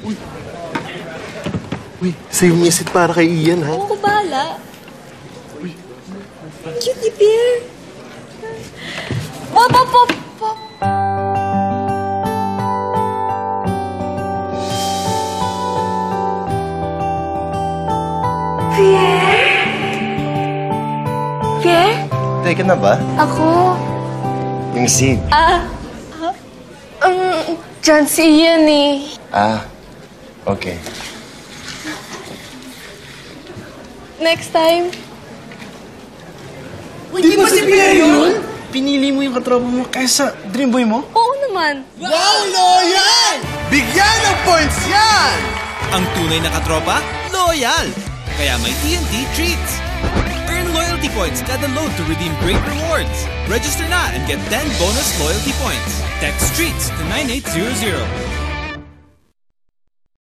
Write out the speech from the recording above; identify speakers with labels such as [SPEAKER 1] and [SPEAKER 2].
[SPEAKER 1] Uy, save me a seat para kay Ian, ha?
[SPEAKER 2] Oo ko bahala. Cutie bear. Pop, pop, pop, pop. Pierre? Pierre?
[SPEAKER 1] Teka na ba?
[SPEAKER 2] Ako?
[SPEAKER 1] Yung seat.
[SPEAKER 2] Dyan si Ian eh.
[SPEAKER 1] Okay.
[SPEAKER 2] Next time.
[SPEAKER 3] Di ba si Pierre yun? Pinili mo yung katropa mo kaysa dream boy mo?
[SPEAKER 2] Oo naman.
[SPEAKER 3] Wow, loyal! Bigyan ng points yan!
[SPEAKER 4] Ang tunay na katropa, loyal! Kaya may TNT Treats! Earn loyalty points kada load to redeem great rewards. Register na and get 10 bonus loyalty points. Text TREATS to 9800.